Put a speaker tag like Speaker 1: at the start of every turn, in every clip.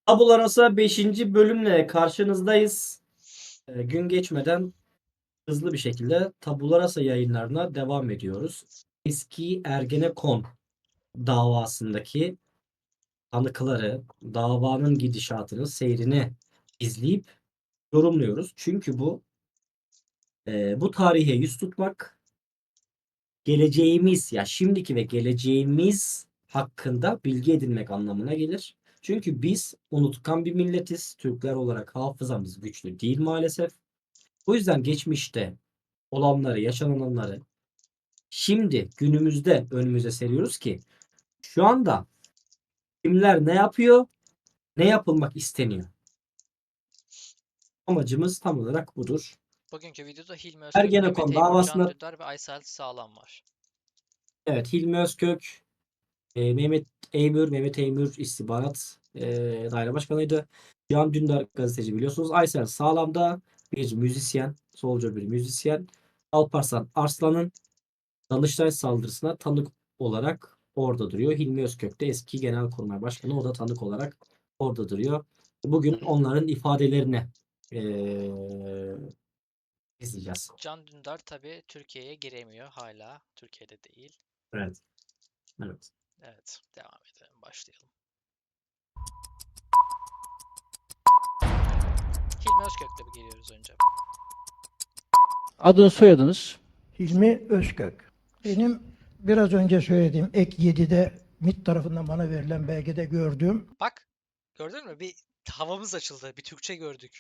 Speaker 1: Tabula Rasa 5. bölümle karşınızdayız. Gün geçmeden hızlı bir şekilde Tabula Rasa yayınlarına devam ediyoruz. Eski Ergenekon davasındaki tanıkları, davanın gidişatını, seyrini izleyip yorumluyoruz. Çünkü bu tarihe yüz tutmak geleceğimiz, ya şimdiki ve geleceğimiz hakkında bilgi edinmek anlamına gelir. Çünkü biz unutkan bir milletiz. Türkler olarak hafızamız güçlü değil maalesef. O yüzden geçmişte olanları, yaşananları şimdi günümüzde önümüze seriyoruz ki şu anda kimler ne yapıyor, ne yapılmak isteniyor. Amacımız tam olarak budur.
Speaker 2: Bugünkü videoda Hilmi Özkök, Mehmet
Speaker 1: Ergenekon
Speaker 2: Eymür, Can
Speaker 1: davasında
Speaker 2: Dündar ve Aysel Sağlam var.
Speaker 1: evet, Hilmi Özkök, Mehmet Eymür istihbarat daire başkanıydı. Can Dündar gazeteci biliyorsunuz. Aysel Sağlam da bir müzisyen, solcu bir müzisyen. Alparslan Arslan'ın Danıştay saldırısına tanık olarak orada duruyor. Hilmi Özkök de eski Genelkurmay Başkanı. O da tanık olarak orada duruyor. Bugün onların ifadelerini izleyeceğiz.
Speaker 2: Can Dündar tabi Türkiye'ye giremiyor hala. Türkiye'de değil.
Speaker 1: Evet. Evet.
Speaker 2: Evet, devam edelim, başlayalım. Hilmi Özkök'le bir geliyoruz önce.
Speaker 3: Adınız, soyadınız?
Speaker 4: Hilmi Özkök. Benim biraz önce söylediğim ek 7'de MİT tarafından bana verilen belgede gördüğüm
Speaker 2: Bak, gördün mü? Bir havamız açıldı. Bir Türkçe gördük.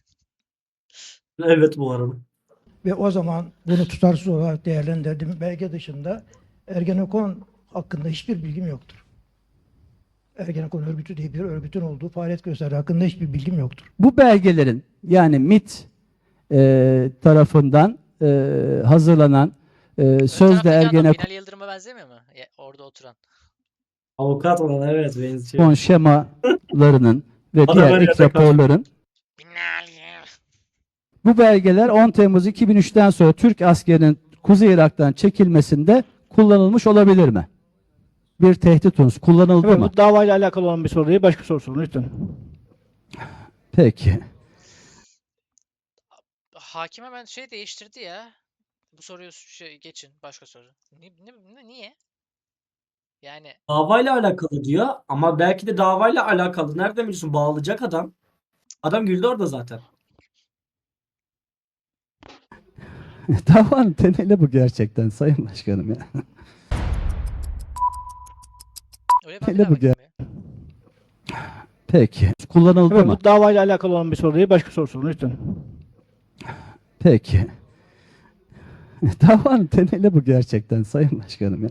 Speaker 1: Evet, bu arada.
Speaker 4: ve o zaman bunu tutarsız olarak değerlendirdiğim belge dışında Ergenekon hakkında hiçbir bilgim yoktur. Ergenekon örgütü diye bir örgütün olduğu faaliyet gösterdiği hakkında hiçbir bilgim yoktur.
Speaker 3: Bu belgelerin, yani MİT tarafından hazırlanan
Speaker 2: Ön
Speaker 3: sözde
Speaker 2: taraftaki adam
Speaker 3: Ergenekon
Speaker 2: Binali Yıldırım'a benzemiyor mu? Orada oturan.
Speaker 1: Avukat olan, evet, benziyor.
Speaker 3: şemalarının ve
Speaker 1: Bana
Speaker 3: diğer
Speaker 1: böyle
Speaker 3: ilk
Speaker 1: yaklaşık.
Speaker 3: raporların,
Speaker 2: Binali.
Speaker 3: bu belgeler 10 Temmuz 2003'ten sonra Türk askerinin Kuzey Irak'tan çekilmesinde kullanılmış olabilir mi? Bir tehdit unsuru kullanıldı
Speaker 5: Evet,
Speaker 3: mı?
Speaker 5: bu davayla alakalı olan bir soru değil. Başka soru sorun lütfen.
Speaker 3: Peki.
Speaker 2: Hakim hemen şey değiştirdi ya. Bu soruyu geçin. Başka soru. Niye? Yani
Speaker 1: Davayla alakalı diyor ama belki de davayla alakalı. Nereden biliyorsun? Bağlayacak adam. Adam güldü orada zaten.
Speaker 3: Davanın temeli bu gerçekten Sayın Başkanım ya.
Speaker 2: öyle ben bir
Speaker 3: Hele
Speaker 2: daha
Speaker 3: bu
Speaker 2: bakayım ya.
Speaker 3: Peki. Kullanıldı
Speaker 5: Evet,
Speaker 3: mı?
Speaker 5: bu davayla alakalı olan bir soru değil. Başka soru sorun lütfen.
Speaker 3: Peki. Davanın temeli bu gerçekten Sayın Başkanım ya.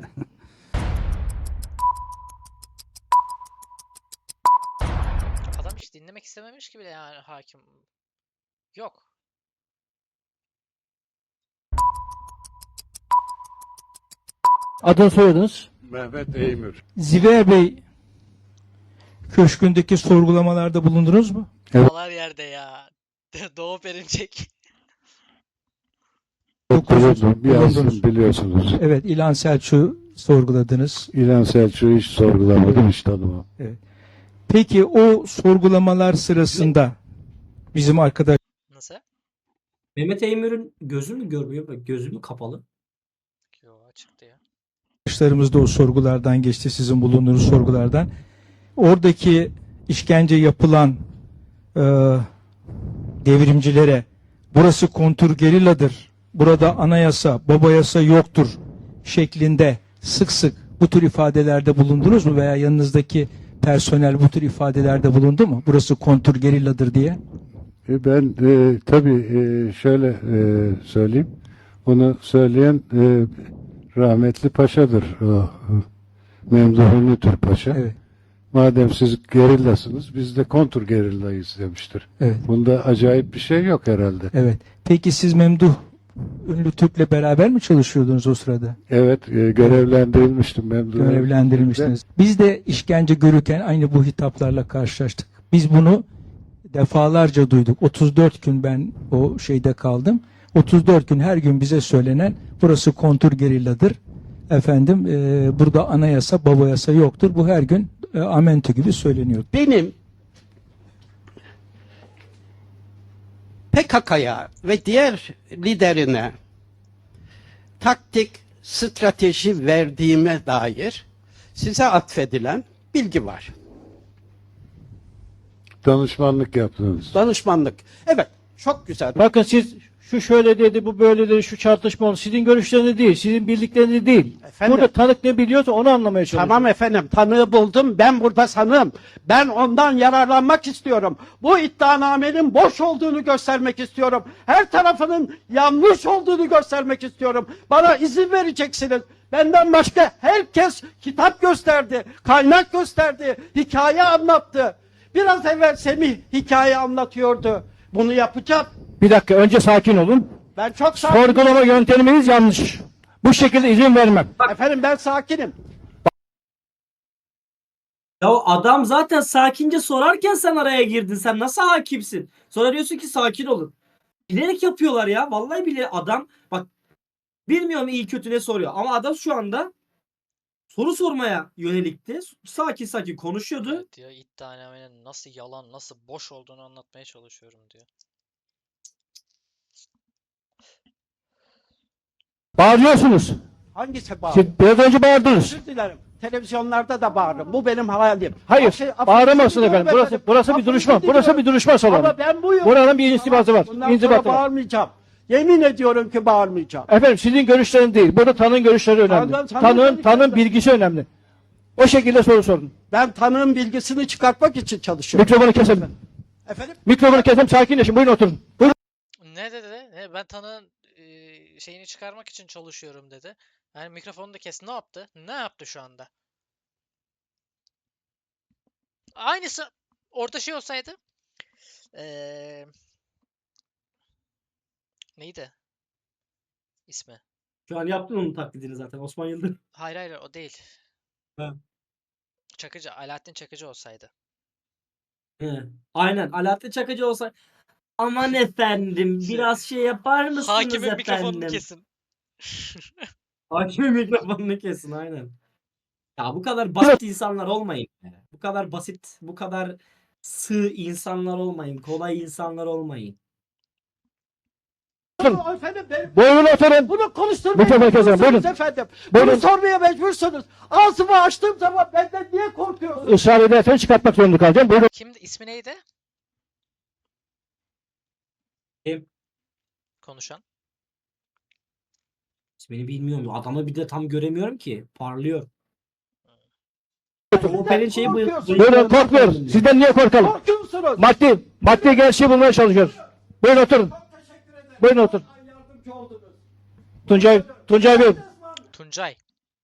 Speaker 2: Adam hiç dinlemek istememiş gibi yani hakim. Yok.
Speaker 5: Adınız, soyadınız?
Speaker 6: Mehmet Eymür.
Speaker 7: Ziver Bey köşkündeki sorgulamalarda bulundunuz mu?
Speaker 2: Kafalar yerde ya. Doğu Perinçek.
Speaker 6: Bulundum.
Speaker 7: Bulundunuz.
Speaker 6: Yasin biliyorsunuz.
Speaker 7: Evet, İlhan Selçuk'u sorguladınız.
Speaker 6: İlhan Selçuk'u hiç sorgulamadım, hiç tanımam.
Speaker 7: Peki o sorgulamalar sırasında bizim
Speaker 2: Nasıl?
Speaker 1: Mehmet Eymür'ün gözü mü görmüyor? Bak, gözü mü kapalı?
Speaker 2: Yo, açıktı ya.
Speaker 7: arkadaşlarımız da o sorgulardan geçti, sizin bulunduğunuz sorgulardan. Oradaki işkence yapılan e, devrimcilere burası kontrgerilladır, burada anayasa, baba yasa yoktur şeklinde sık sık bu tür ifadelerde bulundunuz mu veya yanınızdaki personel bu tür ifadelerde bulundu mu? Burası kontrgerilladır diye.
Speaker 6: Ben tabii şöyle söyleyeyim. Bunu söyleyen rahmetli Paşa'dır. O, Memduh Ünlütür Paşa.
Speaker 7: Evet.
Speaker 6: Madem siz gerillasınız, biz de kontur gerillayız demiştir.
Speaker 7: Evet.
Speaker 6: Bunda acayip bir şey yok herhalde.
Speaker 7: Evet. Peki siz Memduh Ünlü Türk'le beraber mi çalışıyordunuz o sırada?
Speaker 6: Evet, görevlendirilmiştim Memduh.
Speaker 7: Görevlendirilmiştiniz. Biz de işkence görürken aynı bu hitaplarla karşılaştık. Biz bunu defalarca duyduk. 34 gün ben o şeyde kaldım. 34 gün her gün bize söylenen burası kontrgerilladır. Efendim burada anayasa, baba yasa yoktur. Bu her gün amentü gibi söyleniyor.
Speaker 8: Benim PKK'ya ve diğer liderine taktik, strateji verdiğime dair size atfedilen bilgi var.
Speaker 6: Danışmanlık yaptınız.
Speaker 8: Danışmanlık. Evet, çok güzel.
Speaker 5: Bakın siz şu şöyle dedi, bu böyle dedi, şu çarpışma oldu. Sizin görüşleriniz değil, sizin bildikleriniz değil.
Speaker 8: Efendim?
Speaker 5: Burada tanık ne biliyorsa onu anlamaya çalışıyorum.
Speaker 8: Tamam efendim, tanığı buldum. Ben burada sanığım. Ben ondan yararlanmak istiyorum. Bu iddianamenin boş olduğunu göstermek istiyorum. Her tarafının yanlış olduğunu göstermek istiyorum. Bana izin vereceksiniz. Benden başka herkes kitap gösterdi, kaynak gösterdi, hikaye anlattı. Biraz evvel Semih hikaye anlatıyordu. Bunu yapacağım.
Speaker 5: Bir dakika, önce sakin olun.
Speaker 8: Ben çok sakinim.
Speaker 5: Sorgulama yönteminiz yanlış. Bu şekilde izin vermem.
Speaker 8: Efendim ben sakinim.
Speaker 1: Ya adam zaten sakince sorarken sen araya girdin. Sen nasıl hakimsin? Sonra diyorsun ki sakin olun. Bilerek yapıyorlar ya. Vallahi bile adam bak bilmiyorum iyi kötü ne soruyor. Ama adam şu anda soru sormaya yönelikti. Sakin sakin konuşuyordu.
Speaker 2: Evet diyor, iddianamenin nasıl yalan, nasıl boş olduğunu anlatmaya çalışıyorum diyor.
Speaker 5: Bağırıyorsunuz.
Speaker 8: Hangisi bağır?
Speaker 5: Siz biraz önce bağırdınız.
Speaker 8: Özür dilerim. Televizyonlarda da bağırırım. Bu benim hayalim.
Speaker 5: Hayır,
Speaker 8: Affı-
Speaker 5: bağıramazsın
Speaker 8: affınızı
Speaker 5: efendim.
Speaker 8: diliyorum
Speaker 5: Burası bir
Speaker 8: Affınızı
Speaker 5: duruşma.
Speaker 8: diliyorum.
Speaker 5: Burası bir duruşma salonu.
Speaker 8: Ama ben buyum.
Speaker 5: Buranın bir instibası var.
Speaker 8: Bundan sonra
Speaker 5: İnzibatı var.
Speaker 8: bağırmayacağım. Yemin ediyorum ki bağırmayacağım.
Speaker 5: Efendim sizin görüşleriniz değil. Burada tanığın görüşleri önemli. Tanığın bilgisi önemli. O şekilde soru sorun.
Speaker 8: Ben tanığın bilgisini çıkartmak için çalışıyorum.
Speaker 5: Mikrofonu keselim.
Speaker 8: Efendim?
Speaker 5: Mikrofonu keselim, sakinleşin. Buyurun oturun. Buyurun.
Speaker 2: Ne dedi? Ben tanığın şeyini çıkarmak için çalışıyorum dedi. Yani mikrofonu da kes. Ne yaptı? Ne yaptı şu anda? Aynısı orada şey olsaydı. Neydi? İsmi.
Speaker 1: Şu an yaptın onun taklidini zaten. Osman Yıldırım.
Speaker 2: Hayır hayır o değil.
Speaker 1: Ha.
Speaker 2: Çakıcı. Alaaddin Çakıcı olsaydı.
Speaker 1: He. Aynen. Alaaddin Çakıcı olsa aman efendim biraz şey yapar mısınız
Speaker 2: Hakimin mikrofonunu
Speaker 1: efendim?
Speaker 2: kesin.
Speaker 1: Hakimin mikrofonunu kesin aynen. Ya bu kadar basit insanlar olmayın. Be. Bu kadar basit, bu kadar sığ insanlar olmayın. Kolay insanlar olmayın.
Speaker 8: Efendim benim
Speaker 5: Buyurun oturun.
Speaker 8: bunu konuşturmaya
Speaker 5: Mikrofonu keselim.
Speaker 8: mecbursunuz
Speaker 5: Buyurun.
Speaker 8: efendim.
Speaker 5: Buyurun.
Speaker 8: Bunu sormaya mecbursunuz. Ağzımı açtığım zaman benden niye korkuyorsunuz?
Speaker 5: Israr edersen çıkartmak zorunda kalacağım. Buyurun.
Speaker 2: Kimdi? İsmi neydi?
Speaker 1: Kim?
Speaker 2: Konuşan.
Speaker 1: İsmini bilmiyorum. Adamı bir de tam göremiyorum ki. Parlıyor.
Speaker 8: Benden
Speaker 1: Oper'in şeyi bu.
Speaker 8: korkuyorsunuz.
Speaker 5: Buyurun, korkmuyoruz. Sizden niye korkalım?
Speaker 8: Korkuyorsunuz.
Speaker 5: Maddi gerçeği bulmaya çalışıyoruz. Buyurun oturun.
Speaker 8: Çok teşekkür ederim.
Speaker 5: Buyurun otur.
Speaker 8: Ay, yardımcı oldunuz.
Speaker 5: Tuncay Bey.
Speaker 2: Tuncay.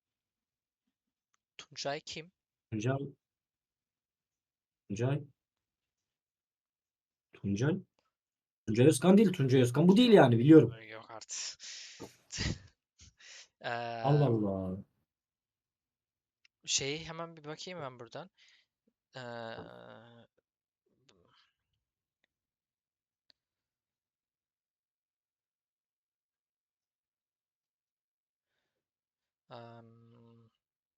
Speaker 2: Tuncay kim?
Speaker 1: Tuncay. Tuncay. Tuncay. Tuncay Özkan değil. Tuncay Özkan bu değil yani biliyorum.
Speaker 2: Yok artık.
Speaker 1: Allah Allah.
Speaker 2: Şeyi hemen bir bakayım ben buradan. Eee, em,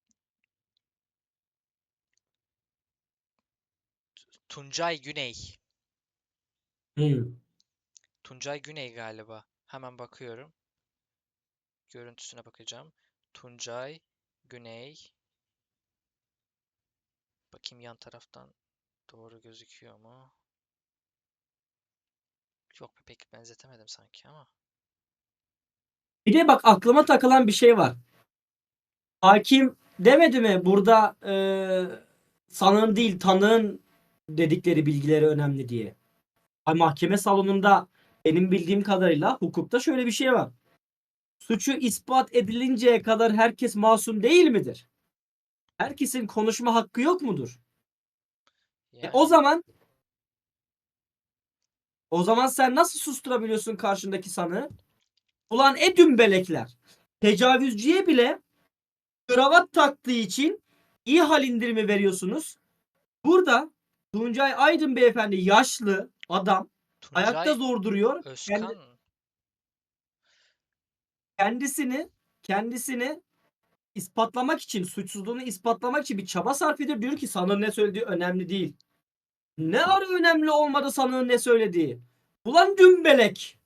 Speaker 2: Tuncay Güney.
Speaker 1: Hı.
Speaker 2: Tuncay Güney galiba. Hemen bakıyorum. Görüntüsüne bakacağım. Tuncay Güney. Bakayım yan taraftan doğru gözüküyor mu? Yok pek benzetemedim sanki ama.
Speaker 1: Bir de bak aklıma takılan bir şey var. Hakim demedi mi burada sanığın değil tanığın dedikleri bilgileri önemli diye. Mahkeme salonunda benim bildiğim kadarıyla hukukta şöyle bir şey var. Suçu ispat edilinceye kadar herkes masum değil midir? Herkesin konuşma hakkı yok mudur?
Speaker 2: Yani
Speaker 1: O zaman sen nasıl susturabiliyorsun karşındaki sanığı? Ulan dümbelekler. Tecavüzcüye bile kravat taktığı için iyi hal indirimi veriyorsunuz. Burada Tuncay Aydın beyefendi yaşlı adam ayakta
Speaker 2: Tuncay
Speaker 1: zor duruyor.
Speaker 2: Özkan.
Speaker 1: Kendisini ispatlamak için, suçsuzluğunu ispatlamak için bir çaba sarf ediyor. Diyor ki sanığın ne söylediği önemli değil. Ne ara önemli olmadı sanığın ne söylediği. Ulan dümbelek.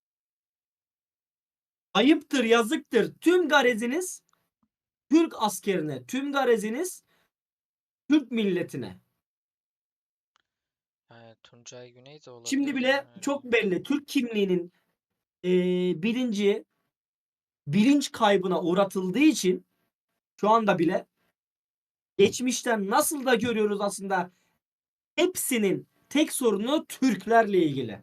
Speaker 1: Ayıptır, yazıktır. Tüm gareziniz Türk askerine, tüm gareziniz Türk milletine.
Speaker 2: Tuncay Güney de olabilir.
Speaker 1: Şimdi bile çok belli. Türk kimliğinin bilinç kaybına uğratıldığı için şu anda bile geçmişten nasıl da görüyoruz aslında hepsinin tek sorunu Türklerle ilgili.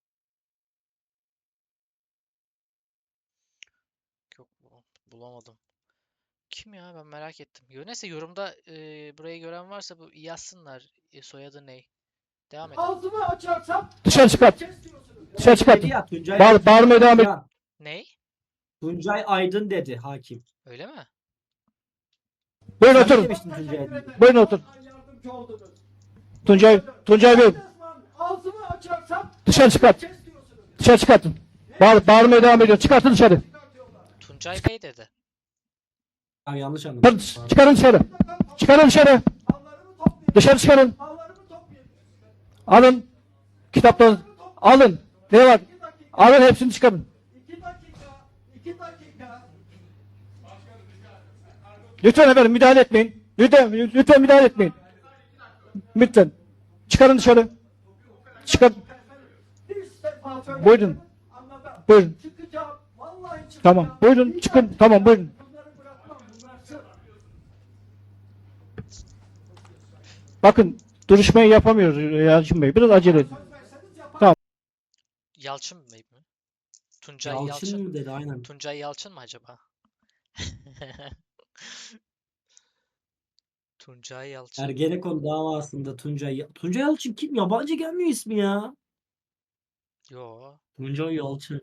Speaker 2: Yok, bulamadım. Kim ya, ben merak ettim. Neyse, yorumda burayı gören varsa bu yazsınlar. Soyadı ne? Devam edelim.
Speaker 8: Ağzımı açarsam
Speaker 5: Dışarı çıkart. Dışarı çıkart.
Speaker 1: Dedi ya, Tuncay,
Speaker 5: Bağırmaya devam et.
Speaker 1: Ya,
Speaker 2: Ney?
Speaker 1: Tuncay Aydın dedi hakim.
Speaker 2: Öyle mi?
Speaker 5: Buyurun
Speaker 1: Sen
Speaker 5: oturun.
Speaker 1: demiştin Tuncay Aydın.
Speaker 5: Buyurun otur.
Speaker 8: yardımcı oldunuz.
Speaker 5: Tuncay Bey,
Speaker 8: Ağzımı açarsam
Speaker 5: dışarı çıkart.
Speaker 8: kes diyorsunuz.
Speaker 5: Dışarı çıkartın. Bağırmaya devam ediyor. Çıkartın dışarı.
Speaker 2: Tuncay Bey dedi.
Speaker 1: Abi yanlış anladım.
Speaker 5: Çıkarın dışarı. Çıkarın dışarı.
Speaker 8: Mallarımı toplayın.
Speaker 5: Dışarı çıkarın.
Speaker 8: Mallarımı toplayın.
Speaker 5: Alın. Kitapları alın. Ne var? Alın hepsini çıkarın.
Speaker 8: 2 dakika. 2 dakika.
Speaker 5: Lütfen efendim müdahale etmeyin. Lütfen müdahale etmeyin. Lütfen. Çıkarın dışarı. Çıkar.
Speaker 8: Bir defa söyledim.
Speaker 5: Buyurun.
Speaker 8: Anladım.
Speaker 5: Buyurun.
Speaker 8: Çıkacağım. Vallahi çıkacağım.
Speaker 5: Tamam. Buyurun çıkın. Tamam buyurun.
Speaker 8: Bunları bırakmam. Bıraksın.
Speaker 5: Bakın duruşmayı yapamıyoruz Yalçın Bey. Biraz acele edin.
Speaker 2: Yalçın Bey mi? Tuncay
Speaker 1: Yalçın
Speaker 2: Yalçın.
Speaker 1: mı dedi aynen.
Speaker 2: Tuncay Yalçın mı acaba? Tuncay Yalçın.
Speaker 1: Ergenekon davasında Tuncay Yalçın kim? Yabancı gelmiyor ismi ya.
Speaker 2: Yo.
Speaker 1: Tuncay Yalçın.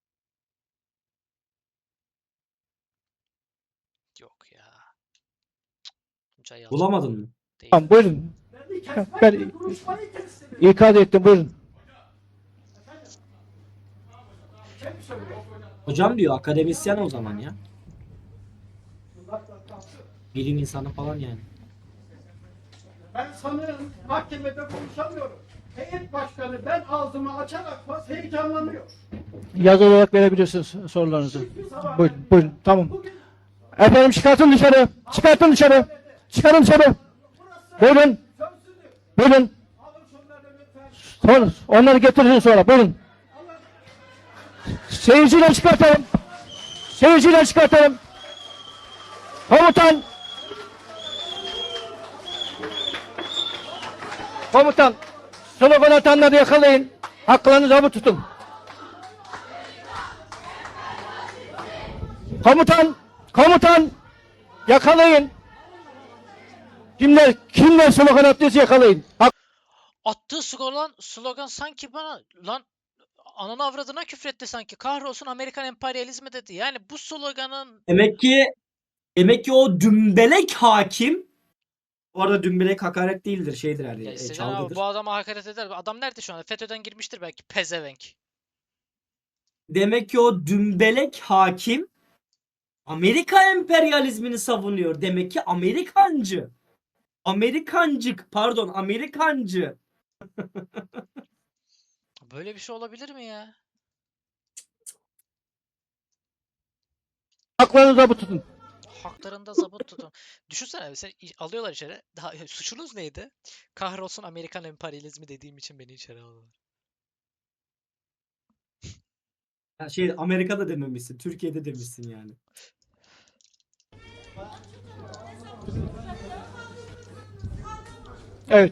Speaker 2: Yok ya. Tuncay Yalçın
Speaker 1: Bulamadın mı?
Speaker 2: değil.
Speaker 5: Tamam buyurun.
Speaker 8: Beni kesmek
Speaker 5: Ben
Speaker 8: ve duruşmayı kestiniz.
Speaker 5: ikaz ettim buyurun.
Speaker 8: Kim söylüyor?
Speaker 1: Hocam diyor, akademisyen o zaman ya. Bilim insanı falan yani.
Speaker 8: Ben sanırım mahkemede konuşamıyorum. Heyet başkanı ben ağzımı açarak faz heyecanlanıyor.
Speaker 5: Yazı olarak verebilirsiniz sorularınızı.
Speaker 8: Hiçbir zaman
Speaker 5: Buyurun, buyurun. Tamam.
Speaker 8: bugün
Speaker 5: Efendim çıkartın dışarı. Çıkartın dışarı. Çıkarın dışarı. Buyurun.
Speaker 8: sözsüzlük.
Speaker 5: Buyurun.
Speaker 8: Alın şunları lütfen.
Speaker 5: Sonra, onları getirin sonra. Buyurun. Seyirciyle çıkartalım. Seyirciyle çıkartalım. Komutan. Komutan. Slogan atanları yakalayın. Haklarını zabıt tutun. Komutan. Komutan. Yakalayın. Kimler slogan attıysa yakalayın.
Speaker 2: Attığı slogan sanki bana lan ananı avradına küfretti sanki. Kahrolsun Amerikan emperyalizmi dedi. Yani bu sloganın
Speaker 1: Demek ki o dümbelek hakim, orada dümbelek hakaret değildir, şeydir
Speaker 2: ya
Speaker 1: yani,
Speaker 2: istesen abi
Speaker 1: çalgıdır.
Speaker 2: bu adama hakaret eder. Adam nerede şu anda? FETÖ'den girmiştir belki. Pezevenk.
Speaker 1: Demek ki o dümbelek hakim Amerika emperyalizmini savunuyor. Demek ki Amerikancı. Amerikancı.
Speaker 2: Böyle bir şey olabilir mi ya?
Speaker 5: Haklarını zabıt tutun.
Speaker 2: Haklarında zabıt tutun. Düşünsene seni alıyorlar içeri. Daha, suçunuz neydi? Kahrolsun Amerikan emperyalizmi dediğim için beni içeri aldılar.
Speaker 1: Ya şey, Amerika'da dememişsin, Türkiye'de demişsin yani.
Speaker 5: Evet.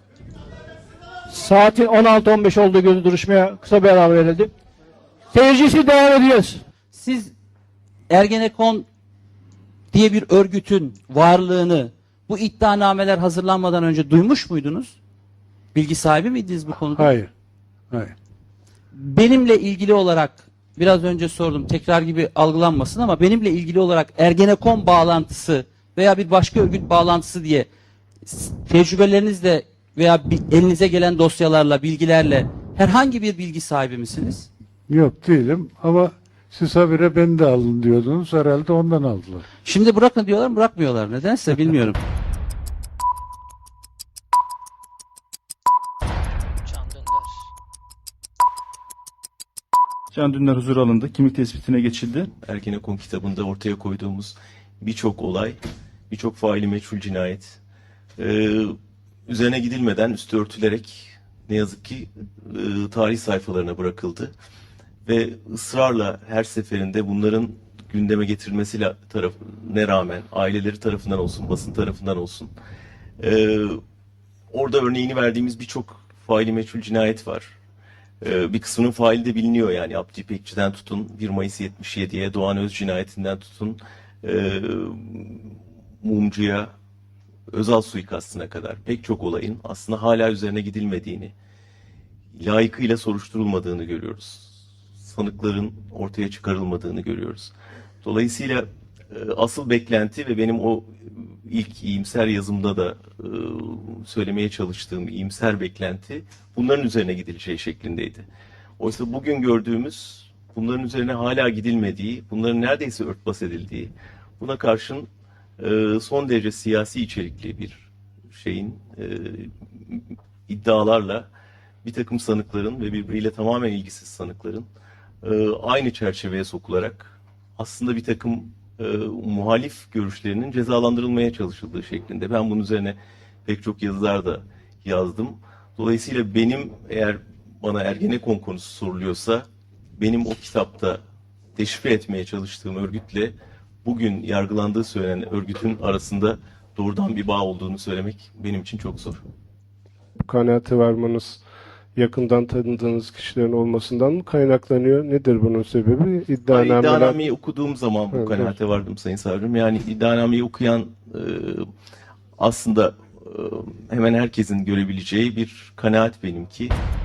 Speaker 5: Saatin 16:15 olduğu gün duruşmaya kısa bir ara verildi. Seyircisi devam ediyoruz.
Speaker 9: Siz Ergenekon diye bir örgütün varlığını bu iddianameler hazırlanmadan önce duymuş muydunuz? Bilgi sahibi miydiniz bu konuda?
Speaker 6: Hayır. Hayır.
Speaker 9: Benimle ilgili olarak biraz önce sordum, tekrar gibi algılanmasın ama benimle ilgili olarak Ergenekon bağlantısı veya bir başka örgüt bağlantısı diye tecrübelerinizle veya elinize gelen dosyalarla, bilgilerle herhangi bir bilgi sahibi misiniz?
Speaker 6: Yok değilim ama siz habire beni de alın diyordunuz. Herhalde ondan aldılar.
Speaker 9: Şimdi bırakın diyorlar, bırakmıyorlar. Nedense bilmiyorum.
Speaker 2: Can Dündar.
Speaker 10: Can Dündar huzur alındı. Kimlik tespitine geçildi.
Speaker 11: Ergenekon kitabında ortaya koyduğumuz birçok olay, birçok faili meçhul cinayet üzerine gidilmeden üstü örtülerek ne yazık ki tarih sayfalarına bırakıldı. Ve ısrarla her seferinde bunların gündeme getirilmesiyle ne rağmen aileleri tarafından olsun, basın tarafından olsun orada örneğini verdiğimiz birçok faili meçhul cinayet var. Bir kısmının faili de biliniyor yani Abdi İpekçi'den tutun 1 Mayıs 77'ye, Doğan Öz cinayetinden tutun Mumcu'ya, Özal suikastına kadar pek çok olayın aslında hala üzerine gidilmediğini, layıkıyla soruşturulmadığını görüyoruz. Sanıkların ortaya çıkarılmadığını görüyoruz. Dolayısıyla asıl beklenti ve benim o ilk iyimser yazımda da söylemeye çalıştığım iyimser beklenti bunların üzerine gidileceği şeklindeydi. Oysa bugün gördüğümüz bunların üzerine hala gidilmediği, bunların neredeyse örtbas edildiği, buna karşın son derece siyasi içerikli bir şeyin iddialarla bir takım sanıkların ve birbiriyle tamamen ilgisiz sanıkların aynı çerçeveye sokularak aslında bir takım muhalif görüşlerinin cezalandırılmaya çalışıldığı şeklinde. Ben bunun üzerine pek çok yazılar da yazdım. Dolayısıyla benim eğer bana Ergenekon konusu soruluyorsa benim o kitapta deşifre etmeye çalıştığım örgütle bugün yargılandığı söylenen örgütün arasında doğrudan bir bağ olduğunu söylemek benim için çok zor.
Speaker 6: Bu kanaate varmanız yakından tanıdığınız kişilerin olmasından mı kaynaklanıyor? Nedir bunun sebebi?
Speaker 11: İddianameyi okuduğum zaman bu
Speaker 6: Evet,
Speaker 11: kanaate vardım Sayın Savcım. Yani iddianameyi okuyan aslında hemen herkesin görebileceği bir kanaat benimki.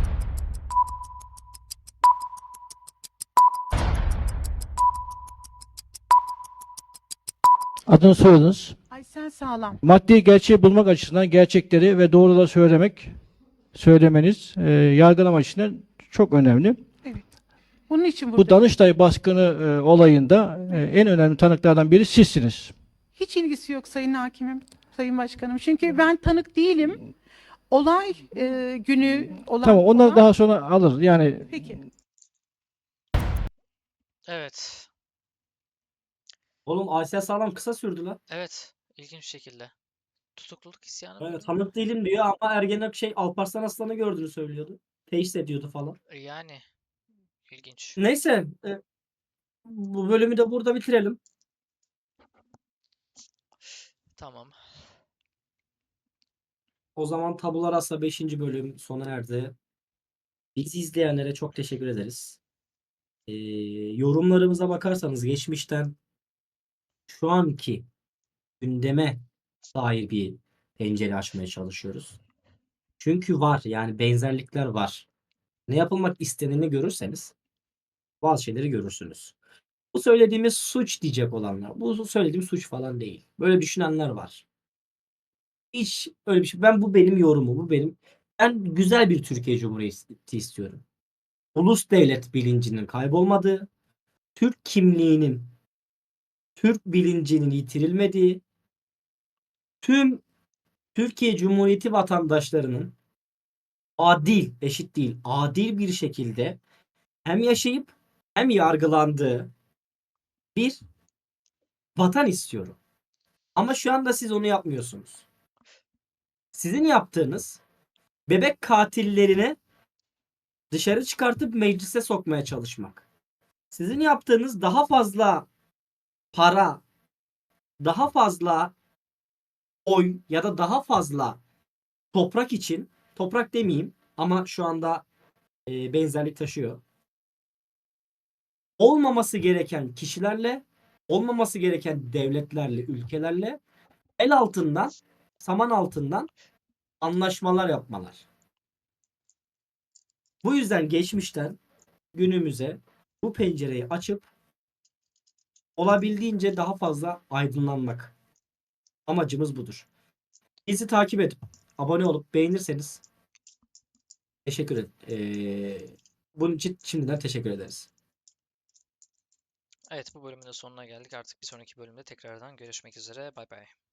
Speaker 5: Adını soyadınız.
Speaker 12: Aysel Sağlam.
Speaker 5: Maddi gerçeği bulmak açısından gerçekleri ve doğruları söylemeniz yargılama açısından çok önemli.
Speaker 12: Bunun için
Speaker 5: Bu
Speaker 12: burada
Speaker 5: Danıştay baskını olayında en önemli tanıklardan biri sizsiniz.
Speaker 12: hiç ilgisi yok Sayın Hakimim, Sayın Başkanım. Çünkü ben tanık değilim. Olay günü olan...
Speaker 5: Tamam, onları
Speaker 12: olan-
Speaker 5: daha sonra alır. Yani
Speaker 12: Peki.
Speaker 2: Evet.
Speaker 1: Oğlum Aysel Sağlam kısa sürdü lan.
Speaker 2: Evet. İlginç bir şekilde. Tutukluluk isyanı
Speaker 1: Evet,
Speaker 2: mıydı?
Speaker 1: tanık değilim diyor ama Alparslan Aslan'ı gördüğünü söylüyordu. Teşhis ediyordu falan.
Speaker 2: Yani. İlginç.
Speaker 1: Neyse. Bu bölümü de burada bitirelim.
Speaker 2: Tamam.
Speaker 1: O zaman Tabula Rasa 5. bölüm sona erdi. Bizi izleyenlere çok teşekkür ederiz. Yorumlarımıza bakarsanız geçmişten şu anki gündeme dair bir pencere açmaya çalışıyoruz. Çünkü var, yani benzerlikler var. Ne yapılmak isteneni görürseniz bazı şeyleri görürsünüz. Bu söylediğimiz suç diyecek olanlar. Bu söylediğim suç falan değil. Böyle düşünenler var. Hiç öyle bir şey. Bu benim yorumum. Ben güzel bir Türkiye Cumhuriyeti istiyorum. Ulus devlet bilincinin kaybolmadığı, Türk kimliğinin, Türk bilincinin yitirilmediği, tüm Türkiye Cumhuriyeti vatandaşlarının eşit değil, adil bir şekilde hem yaşayıp hem yargılandığı bir vatan istiyorum. Ama şu anda siz onu yapmıyorsunuz. Sizin yaptığınız bebek katillerini dışarı çıkartıp meclise sokmaya çalışmak. Sizin yaptığınız daha fazla para, daha fazla oy ya da daha fazla toprak için, toprak demeyeyim ama şu anda benzerlik taşıyor. Olmaması gereken kişilerle, olmaması gereken devletlerle, ülkelerle el altından, saman altından anlaşmalar yapmalar. Bu yüzden geçmişten günümüze bu pencereyi açıp olabildiğince daha fazla aydınlanmak. Amacımız budur. Bizi takip edip abone olup beğenirseniz teşekkür ederim. Bunun için şimdiden teşekkür ederiz.
Speaker 2: Evet, bu bölümün de sonuna geldik. Artık bir sonraki bölümde tekrardan görüşmek üzere. Bay bay.